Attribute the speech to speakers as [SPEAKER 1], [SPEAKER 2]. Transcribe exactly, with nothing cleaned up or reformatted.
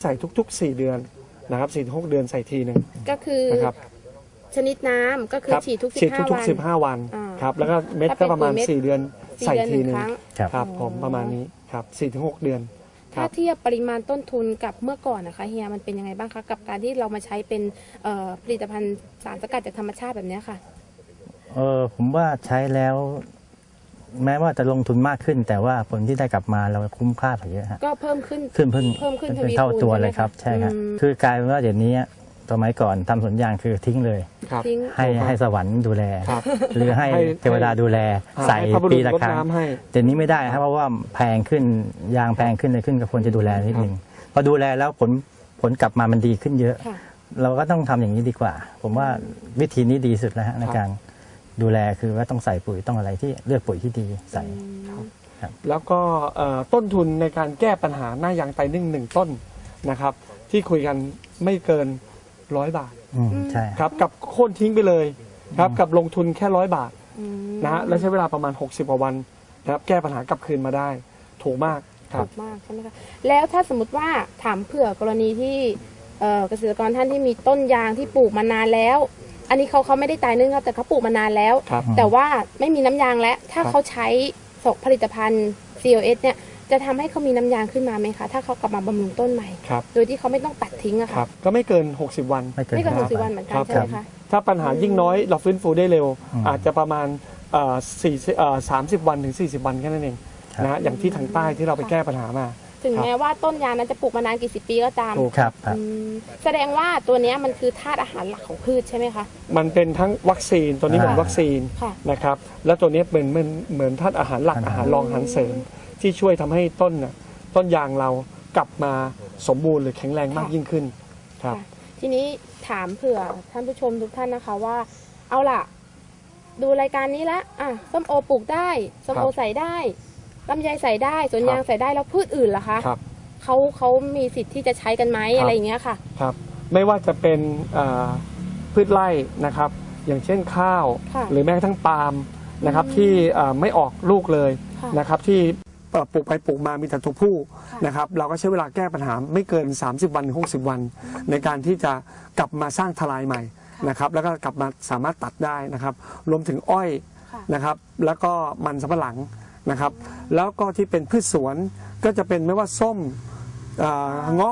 [SPEAKER 1] ใส่ทุกๆสี่เดือนนะครับสี่ถึงหกเดือนใส่ทีหนึ่ง
[SPEAKER 2] ก็คือนะครับชนิดน้ำก็คือฉีดทุกสิบห้าวันฉีดทุก
[SPEAKER 1] สิบห้าวันครับแล้วก็เม็ดก็ประมาณสี่เดือนใส่ทีหนึ่งครับผมประมาณนี้ครับสี่ถึงหกเดือน
[SPEAKER 2] ถ้าเทียบปริมาณต้นทุนกับเมื่อก่อนนะคะเฮียมันเป็นยังไงบ้างคะกับการที่เรามาใช้เป็นผลิตภัณฑ์สารสกัดจากธรรมชาติแบบนี้ค่ะ
[SPEAKER 3] เออผมว่าใช้แล้วแม้ว่าจะลงทุนมากขึ้นแต่ว่าผลที่ได้กลับมาเราคุ้มค่าไปเยอะฮะ
[SPEAKER 2] ก็เพิ่มขึ้น
[SPEAKER 3] ขึ้นเพิ่ม
[SPEAKER 2] เพิ่มขึ้น
[SPEAKER 3] เท่าตัวเลยครับใช่ครับคือกลายเป็นว่าเดี๋ยวนี้สมัยก่อนทำสวนยางคือทิ้งเลยให้ให้สวรรค์ดูแลหรือให้เทวดาดูแลใส่ปีละครั้งเดี๋ยวนี้ไม่ได้ครับเพราะว่าแพงขึ้นยางแพงขึ้นเลยขึ้นก็ควรจะดูแลนิดนึงพอดูแลแล้วผลผลกลับมามันดีขึ้นเยอะเราก็ต้องทำอย่างนี้ดีกว่าผมว่าวิธีนี้ดีสุดแล้วฮะในการดูแลคือว่าต้องใส่ปุ๋ยต้องอะไรที่เลือกปุ๋ยที่ดีใส่
[SPEAKER 1] แล้วก็ต้นทุนในการแก้ปัญหาหน้ายางไตนึ่งหนึ่งต้นนะครับที่คุยกันไม่เกินร้อยบาท
[SPEAKER 3] ใช่
[SPEAKER 1] ครับกับโค่นทิ้งไปเลยครับกับลงทุนแค่ร้อยบาทนะฮะและใช้เวลาประมาณหกสิบกว่าวันนะครับแก้ปัญหากลับคืนมาได้ถูกมาก
[SPEAKER 2] ถูกมากใช่ไหมคะแล้วถ้าสมมติว่าถามเผื่อกรณีที่เกษตรกรท่านที่มีต้นยางที่ปลูกมานานแล้วอันนี้เขาเขาไม่ได้ตายนึ่งครับแต่เขาปลูกมานานแล้วแต่ว่าไม่มีน้ำยางแล้วถ้าเขาใช้ผลิตภัณฑ์ ซี โอ เอส เนี่ยจะทำให้เขามีน้ำยางขึ้นมาไหมคะถ้าเขากลับมาบำรุงต้นใหม่โดยที่เขาไม่ต้องตัดทิ้งอะค่ะ
[SPEAKER 1] ก็ไม่เกินหกสิบวัน
[SPEAKER 2] ไม่เกินหกสิบวันเหมือนกันใช่ไหมคะ
[SPEAKER 1] ถ้าปัญหายิ่งน้อยเราฟื้นฟูได้เร็วอาจจะประมาณสี่สามสิบวันถึงสี่สิบวันแค่นั้นเองนะอย่างที่ทางใต้ที่เราไปแก้ปัญหามา
[SPEAKER 2] ถึงแม้ว่าต้นยางนั้นจะปลูกมานานกี่สิบปีก็ตาม
[SPEAKER 3] ครับ
[SPEAKER 2] แสดงว่าตัวนี้มันคือธาตุอาหารหลักของพืชใช่ไหมคะ
[SPEAKER 1] มันเป็นทั้งวัคซีนตัวนี้เหมือนวัคซีนนะครับแล้วตัวนี้เป็นเหมือนเหมือนธาตุอาหารหลักอาหารรองอาหารเสริมที่ช่วยทำให้ต้นน่ะต้นยางเรากลับมาสมบูรณ์หรือแข็งแรงมากยิ่งขึ้นครับ
[SPEAKER 2] ทีนี้ถามเผื่อท่านผู้ชมทุกท่านนะคะว่าเอาล่ะดูรายการนี้แล้วอ่ะส้มโอปลูกได้ส้มโอใส่ได้ลำไยใส่ได้สวนยางใส่ได้แล้วพืชอื่นล่ะคะเขาเขามีสิทธิ์ที่จะใช้กันไหมอะไรอย่างเงี้ยค่ะ
[SPEAKER 1] ครับไม่ว่าจะเป็นพืชไร่นะครับอย่างเช่นข้าวหรือแม้กระทั่งปาล์มนะครับที่ไม่ออกลูกเลยนะครับที่ปลูกไปปลูกมามีแต่ตัวผู้นะครับเราก็ใช้เวลาแก้ปัญหาไม่เกินสามสิบวันถึงหกสิบวันในการที่จะกลับมาสร้างทลายใหม่นะครับแล้วก็กลับมาสามารถตัดได้นะครับรวมถึงอ้อยนะครับแล้วก็มันสำปะหลังนะครับแล้วก็ที่เป็นพืชสวนก็จะเป็นไม่ว่าส้มเงาะ